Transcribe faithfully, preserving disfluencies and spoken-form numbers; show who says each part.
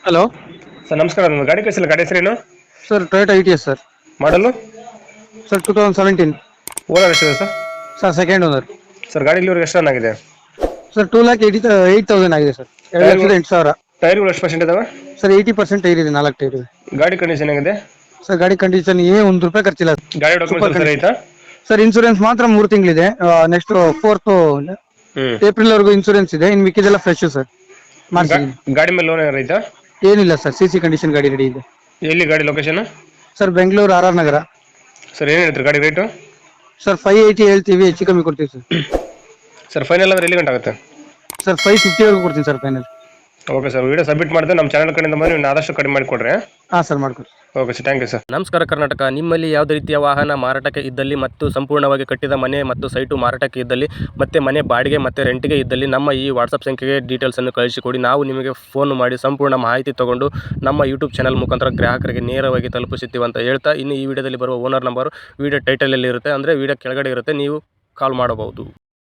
Speaker 1: Hello
Speaker 2: sir ನಮಸ್ಕಾರ. ನನ್ನ ಗಾಡಿ ಕಳಿಸಿಲ್ಲ, ಗಾಡಿ ಹೆಸರೇನು?
Speaker 1: Sir Toyota Etios sir.
Speaker 2: ಮಾಡಲು
Speaker 1: sir two thousand seventeen.
Speaker 2: Owner ಎಷ್ಟಿದೆ sir?
Speaker 1: Sir second owner.
Speaker 2: Sir ಗಾಡಿ ಇಲ್ಲಿವರೆಗೆ ಎಷ್ಟು ರನ್ ಆಗಿದೆ?
Speaker 1: Sir two lakh eighty eight thousand ಆಗಿದೆ ಸರ್. ಎರಡು
Speaker 2: ಟೈರ್ಗಳು
Speaker 1: ಲಕ್ಷದ ಎಂಟು ಸಾವಿರ.
Speaker 2: ಟೈರ್ಗಳು ಎಷ್ಟು ಪರ್ಸೆಂಟ್ ಇದಾವೆ?
Speaker 1: ಸರ್ ಏಯ್ಟಿ ಪರ್ಸೆಂಟ್ ಟೈರ್ ಇದೆ, ನಾಲ್ಕು ಟೈರ್ ಇದೆ.
Speaker 2: ಗಾಡಿ ಕಂಡೀಷನ್ ಹೆಂಗಿದೆ?
Speaker 1: ಸರ್ ಗಾಡಿ ಕಂಡೀಷನ್ ಏ ಒಂದು ರೂಪಾಯಿ ಖರ್ಚಿಲ್ಲ.
Speaker 2: ಗಾಡಿ ಡಾಕ್ಯುಮೆಂಟ್ಸ್
Speaker 1: ಸೂಪರ್
Speaker 2: ಎಲ್ಲ ಸರಿ
Speaker 1: ಕಂಡೀಷನ್.
Speaker 2: ಆಯ್ತಾ?
Speaker 1: ಸರ್ ಇನ್ಸೂರೆನ್ಸ್ ಮಾತ್ರ ಮೂರು ತಿಂಗಳಿದೆ. ನೆಕ್ಸ್ಟ್ ಫೋರ್ತ್
Speaker 2: ಹ್ಞೂ.
Speaker 1: ಏಪ್ರಿಲ್ ವರೆಗೂ ಇನ್ಸೂರೆನ್ಸ್ ಇದೆ. ಇನ್ನು ಮಿಕ್ಕಿದೆಲ್ಲ ಫ್ರೆಶ್ ಸರ್, ಮಾಡಿಸಿದ್ದೀನಿ.
Speaker 2: ಗಾಡಿ ಮೇಲೆ ಲೋನ್ ಏನಾರು ಐತಾ?
Speaker 1: ಏನಿಲ್ಲ ಸರ್, ಸಿ ಸಿ ಕಂಡೀಷನ್ ಗಾಡಿ ರೆಡಿ ಇದೆ.
Speaker 2: ಎಲ್ಲಿ ಗಾಡಿ location?
Speaker 1: Sir Bengaluru R R Nagar.
Speaker 2: Sir ಏನು ಹೇಳ್ತೀರಿ ಗಾಡಿ ರೇಟು?
Speaker 1: ಸರ್ ಫೈವ್ ಏಯ್ಟಿ ಹೇಳ್ತೀವಿ, ಹೆಚ್ಚು ಕಮ್ಮಿ ಕೊಡ್ತೀವಿ ಸರ್.
Speaker 2: ಸರ್ ಫೈನಲ್ ಅಂದ್ರೆ ಎಲ್ಲಿ ಗಂಟೆ ಆಗುತ್ತೆ?
Speaker 1: ಸರ್ ಫೈವ್ ಫಿಫ್ಟಿವರೆಗೂ ಕೊಡ್ತೀನಿ sir final.
Speaker 2: Okay sir, video submit ಮಾಡಿದ್ರೆ ನಮ್ಮ ಚಾನಲ್ ಕಡೆಯಿಂದ ಬಂದು ನೀವು ಆದಷ್ಟು ಕಡಿಮೆ ಮಾಡಿಕೊಡ್ರಿ.
Speaker 1: ಹಾಂ ಸರ್, ಮಾಡ್ಕೊಡಿ.
Speaker 2: Okay sir, thank you sir.
Speaker 3: ನಮಸ್ಕಾರ ಕರ್ನಾಟಕ. ನಿಮ್ಮಲ್ಲಿ ಯಾವುದೇ ರೀತಿಯ ವಾಹನ ಮಾರಾಟಕ್ಕೆ ಇದ್ದಲ್ಲಿ ಮತ್ತು ಸಂಪೂರ್ಣವಾಗಿ ಕಟ್ಟಿದ ಮನೆ ಮತ್ತು ಸೈಟು ಮಾರಾಟಕ್ಕೆ ಇದ್ದಲ್ಲಿ ಮತ್ತು ಮನೆ ಬಾಡಿಗೆ ಮತ್ತು ರೆಂಟಿಗೆ ಇದ್ದಲ್ಲಿ ನಮ್ಮ ಈ ವಾಟ್ಸಪ್ ಸಂಖ್ಯೆಗೆ ಡೀಟೇಲ್ಸನ್ನು ಕಳಿಸಿಕೊಡಿ. ನಾವು ನಿಮಗೆ ಫೋನ್ ಮಾಡಿ ಸಂಪೂರ್ಣ ಮಾಹಿತಿ ತಗೊಂಡು ನಮ್ಮ ಯೂಟ್ಯೂಬ್ ಚಾನಲ್ ಮುಖಾಂತರ ಗ್ರಾಹಕರಿಗೆ ನೇರವಾಗಿ ತಲುಪಿಸುತ್ತೀವಿ ಅಂತ ಹೇಳ್ತಾ, ಇನ್ನು ಈ ವಿಡಿಯೋದಲ್ಲಿ ಬರುವ ಓನರ್ ನಂಬರು ವಿಡಿಯೋ ಟೈಟಲಲ್ಲಿ ಇರುತ್ತೆ, ಅಂದರೆ ವಿಡಿಯೋ ಕೆಳಗಡೆ ಇರುತ್ತೆ, ನೀವು ಕಾಲ್ ಮಾಡಬಹುದು.